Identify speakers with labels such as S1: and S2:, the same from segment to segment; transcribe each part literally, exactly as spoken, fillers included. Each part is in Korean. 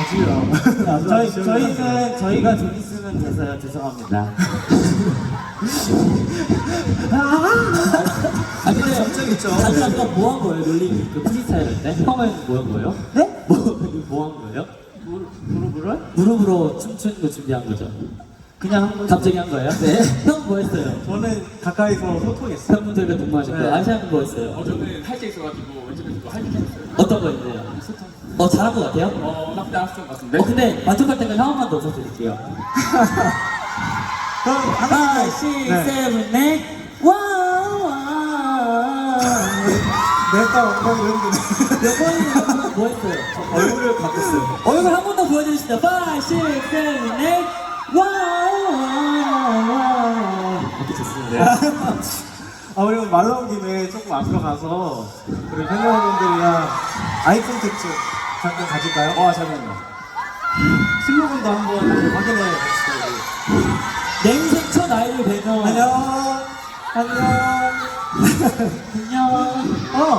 S1: 아직이라.
S2: 저희, 저희는, 저희가 좀 있으면 돼서요. 죄송합니다.
S3: 아 근데
S1: 장점 있죠.
S3: 다들 아까 뭐 한 거예요? 놀림 그 프리스타일 할 때? 형은 뭐 한 거예요?
S2: 네?
S3: 뭐 한 거예요?
S2: 무릎으로?
S3: 무릎으로 춤추는 거 준비한 거죠?
S2: 그냥 한 번.
S3: 갑자기 한 거예요? 네. 형 뭐 했어요?
S2: 저는 가까이서 소통했어요.
S3: 팬분들과 동무하셨고
S2: 네.
S3: 아시아는 뭐 했어요?
S4: 어, 저는 할 게 있어가지고 왼쪽에서 할 게 있었어요.
S3: 어떤 거 있나요? 어 잘한 거 같아요?
S4: 어, 나쁘지 않았던 것 같은데.
S3: 어 근데 만족할 때까지 한 번만 더 써드릴게요.
S2: 그럼 하나,
S3: five, six,
S2: 네.
S3: seven, eight. 와우 와우.
S2: 내가 엉덩이 흔드네.
S3: 여보는 뭐 했어요?
S2: 얼굴을 바꿨어요.
S3: 얼굴 한 번 더 보여주시죠. five, six, seven, eight. 와우 와우 와우. 이렇게 좋습니다.
S2: 아, 우리 말 나온 김에 조금 앞으로 가서 우리 팬 여러분들이랑 아이 콘택트 잠깐 가질까요? 와, 잠깐만요. 슬로건도 한번 확인해 봅시다.
S3: 내 인생 첫 아이를 뵈면
S2: 안녕. 안녕.
S3: 안녕.
S2: 어.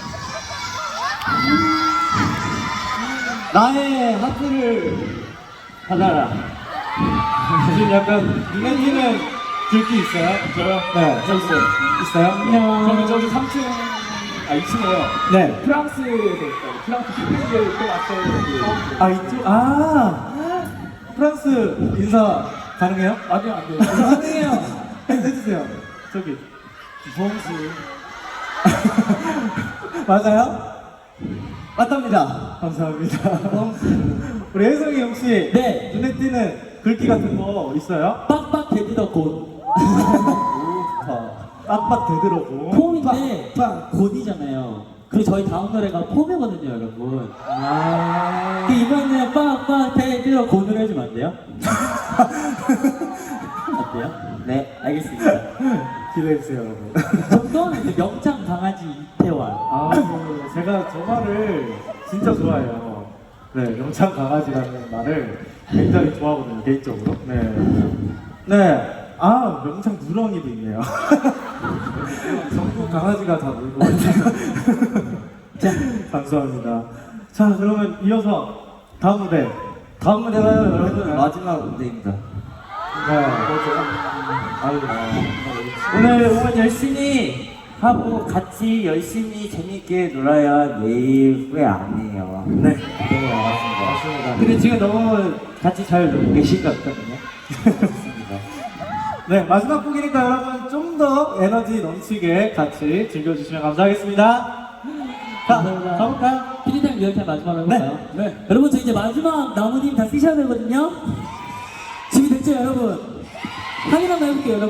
S2: 나의 하트를 받아라. 지금 약간 눈에 띄는 글귀 있어요?
S4: 저요?
S2: 네.
S4: 저 있어요.
S2: 있어요? 안녕.
S4: 저는 저기 삼 층, 아 이 층에요.
S2: 네.
S4: 프랑스에서 있어요. 프랑스 쇼핑을 또 왔어요.
S2: 아, 이쪽, 아. 프랑스 인사 가능해요?
S4: 아니요, 안 돼요.
S2: 가능해요. 해주세요. 저기. 봉수. 맞아요? 맞답니다. 감사합니다. 우리 혜성이 혹시
S3: 네.
S2: 눈에 띄는 글귀 같은 거 있어요?
S3: 빡빡 데뷔더 곧.
S2: 빡빡 되더라고.
S3: 폼인데
S2: 빡.
S3: 곧이잖아요. 그리고 저희 다음 노래가 폼이거든요, 여러분.
S2: 아.
S3: 그 이번에 빡빡 데뷔더 곧을 해주면 안 돼요? 어때요? 네, 알겠습니다.
S2: 기대해주세요, 여러분.
S3: 정도는 그 명창 강아지 이태원.
S2: 아, 그 제가 저 말을 진짜 좋아해요. 네, 명창 강아지라는 말을 굉장히 좋아하거든요, 개인적으로. 네. 네. 아, 명창 누렁이도 있네요. 전국 강아지가 다 놀고 있네요. 자, 감사합니다. 자, 그러면 이어서 다음 무대. 다음 무대가 여러분 마지막 무대입니다. 네. 아유,
S5: 오늘 오늘 열심히 하고 같이 열심히 재밌게 놀아야 내일 후회 안 해요.
S2: 네. 네, 알았습니다. 맞습니다.
S5: 근데 지금 너무 같이 잘 놀고 계신 것 같거든요.
S2: 네, 마지막 곡이니까 여러분 좀 더 에너지 넘치게 같이 즐겨주시면 감사하겠습니다. 자,
S3: 감사합니다.
S2: 가볼까요?
S3: 피디타임 리얼타임 마지막으로 해볼까요?
S2: 네, 네.
S3: 여러분 저 이제 마지막 나무님 다 쓰셔야 되거든요. 준비됐죠 여러분? 확인 한번 해볼게요 여러분.